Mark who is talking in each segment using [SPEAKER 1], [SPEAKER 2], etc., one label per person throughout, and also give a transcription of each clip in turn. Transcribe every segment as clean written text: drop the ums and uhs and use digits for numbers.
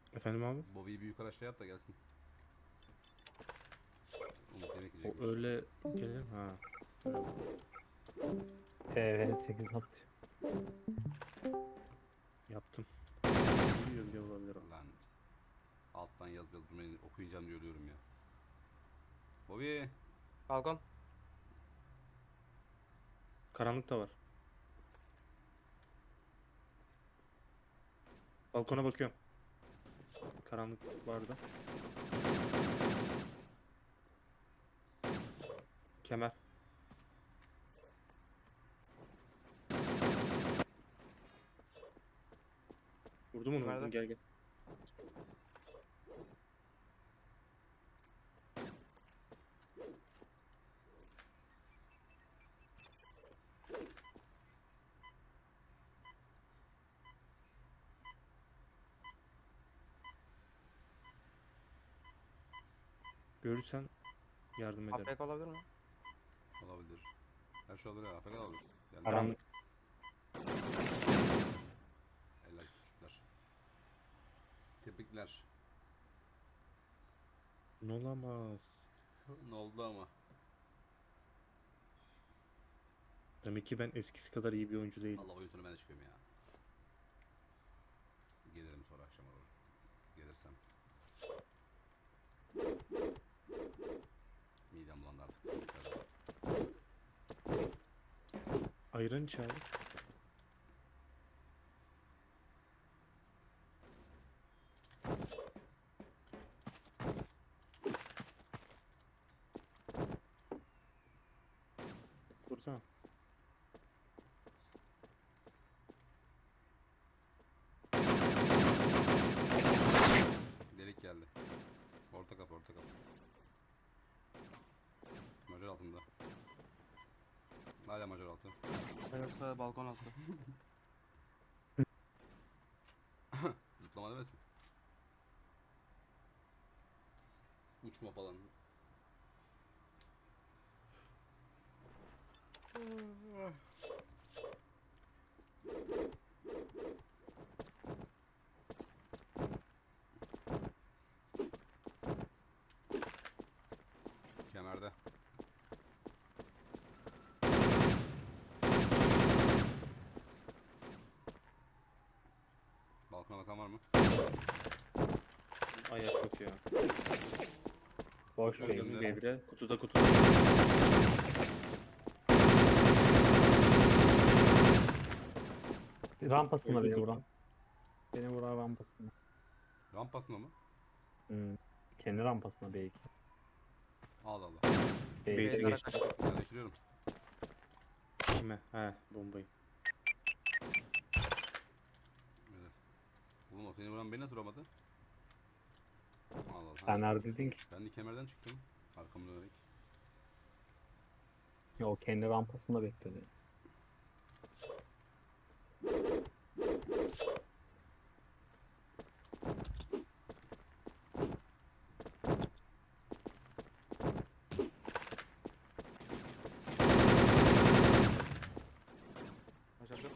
[SPEAKER 1] Efendim abi?
[SPEAKER 2] Bobby'yi bir yukarı aşağı yap da gelsin. Umut yemek
[SPEAKER 1] O
[SPEAKER 2] yiyecekmiş.
[SPEAKER 1] öyle gelir mi? Ha. Öyle.
[SPEAKER 3] PV8 atıyor.
[SPEAKER 1] Yaptım. Biliyor bile olabilir o.
[SPEAKER 2] Lan alttan yaz biraz durmayın, okuyacağım diyor diyorum ya. Bobby
[SPEAKER 4] Balkon.
[SPEAKER 1] Karanlık da var. Balkona bakıyorum. Karanlık vardı. Kemer. Vurdum onu,
[SPEAKER 4] Nerede?
[SPEAKER 1] vurdum, gel gel. Görürsen yardım ederim.
[SPEAKER 4] AFK olabilir mi?
[SPEAKER 2] olabilir. Her şey olabilir, AFK olabilir. Yani
[SPEAKER 1] Karanlık.
[SPEAKER 2] Helal çocuklar. Tebrikler.
[SPEAKER 1] Ne olamaz.
[SPEAKER 2] Ne oldu ama?
[SPEAKER 1] Demek ki ben eskisi kadar iyi bir oyuncu değilim.
[SPEAKER 2] Allah oyun sonu ben de çıkıyorum ya. Gelirim sonra akşam olur. Gelirsem. Midem bulandı artık.
[SPEAKER 1] Ayran iç abi. Kursana.
[SPEAKER 2] Delik geldi. Orta kapı, orta kapı. Majör altında. Hala majör altı.
[SPEAKER 4] Yoksa balkon altı.
[SPEAKER 2] Zıplama demesin. Uçma falan. Kemerde. Balkona bakan var mı?
[SPEAKER 1] Ayak bakıyor.
[SPEAKER 3] Boş
[SPEAKER 2] Gördüm
[SPEAKER 3] değil.
[SPEAKER 2] de.
[SPEAKER 1] Devre. Kutuda kutuda.
[SPEAKER 3] Rampasında
[SPEAKER 1] Öldü
[SPEAKER 3] beni
[SPEAKER 1] kutu.
[SPEAKER 3] vuran. Beni vuran rampasında.
[SPEAKER 2] Rampasında mı?
[SPEAKER 3] Hmm. Kendi rampasında belki.
[SPEAKER 2] Allah Allah.
[SPEAKER 3] Belki.
[SPEAKER 1] Base'e
[SPEAKER 4] Beyzlere
[SPEAKER 1] geçti.
[SPEAKER 4] kaçtı.
[SPEAKER 2] Yerleştiriyorum.
[SPEAKER 1] Kime? He, bombayı.
[SPEAKER 2] Evet. Oğlum o seni vuran beni nasıl vuramadı? Allah Allah.
[SPEAKER 3] Sen neredeydin ki?
[SPEAKER 2] Ben de kemerden çıktım. Arkamı dönerek.
[SPEAKER 3] Ya o kendi rampasında bekledi.
[SPEAKER 4] Başardık.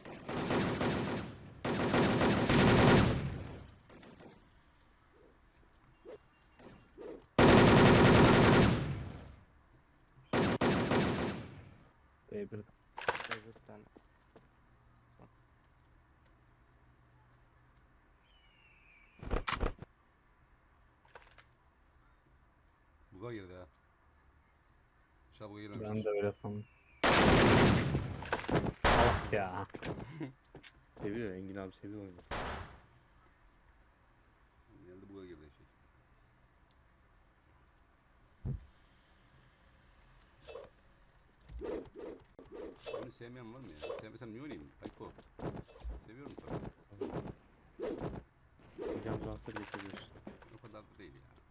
[SPEAKER 3] B1'de.
[SPEAKER 4] Beyzde bir tane.
[SPEAKER 2] Buga girdi ha. İnşallah buga
[SPEAKER 3] Ben
[SPEAKER 2] girmemiştir.
[SPEAKER 3] de öyle sandım. Salak ya.
[SPEAKER 1] Seviyor, Engin abi seviyor oyunu.
[SPEAKER 2] Geldi buga girdi şey. Oyunu sevmeyen var mı ya? Sevmesem niye oynayayım? Ayko. Seviyorum tabii.
[SPEAKER 1] Bir ambulansa bile seviyorsun.
[SPEAKER 2] O kadar da değil ya.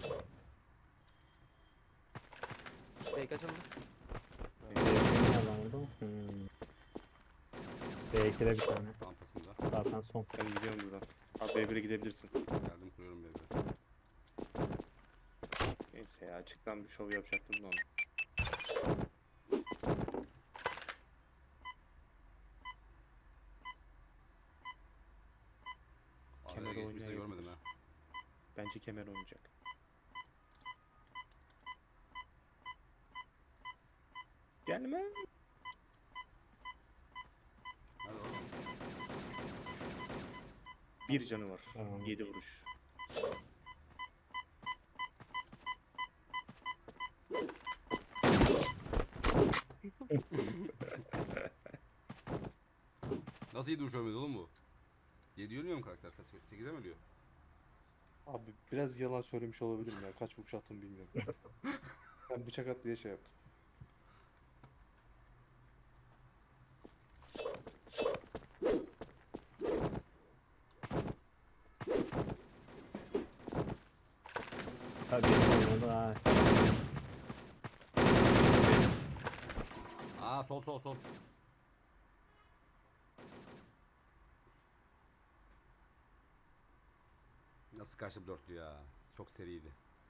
[SPEAKER 4] Fake açıldı.
[SPEAKER 3] B2'de nereden oldu? B2'de bir tane.
[SPEAKER 2] Rampasında.
[SPEAKER 3] Zaten son.
[SPEAKER 1] Ben gidiyorum buradan. Abi B1'e gidebilirsin.
[SPEAKER 2] Geldim kuruyorum bebe.
[SPEAKER 1] Neyse ya, açıktan bir şov yapacaktım da onu.
[SPEAKER 2] Araya
[SPEAKER 1] Kemer
[SPEAKER 2] geçmişse
[SPEAKER 1] oynayabilir.
[SPEAKER 2] görmedim ha.
[SPEAKER 1] Bence kemer oynayacak. Gelme.
[SPEAKER 2] Hadi oğlum.
[SPEAKER 1] Bir canı var.
[SPEAKER 3] Tamam.
[SPEAKER 1] 7 vuruş.
[SPEAKER 2] Nasıl 7 vuruş ölmedi oğlum bu? 7 ölmüyor mu karakter? 8'e mi ölüyor?
[SPEAKER 5] Abi biraz yalan söylemiş olabilirim ya. Kaç vuruş attım bilmiyorum. Ben bıçak at diye şey yaptım.
[SPEAKER 3] Tabii onu da
[SPEAKER 2] Aa sol sol sol. Nasıl kaçtı bu dörtlü ya? Çok seriydi.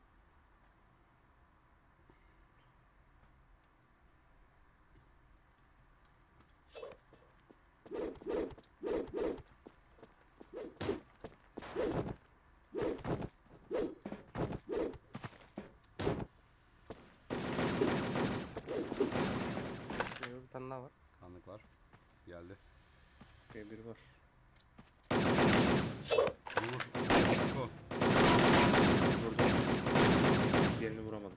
[SPEAKER 4] Bir tane daha var.
[SPEAKER 2] Kanlık var. Geldi.
[SPEAKER 1] B1 var.
[SPEAKER 2] Vur. Bak o.
[SPEAKER 1] Vurdum. Diğerini vuramadım.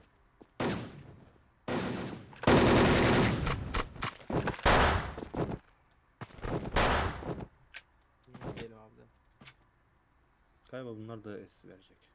[SPEAKER 4] Diyelim abi de.
[SPEAKER 1] Galiba bunlar da S verecek.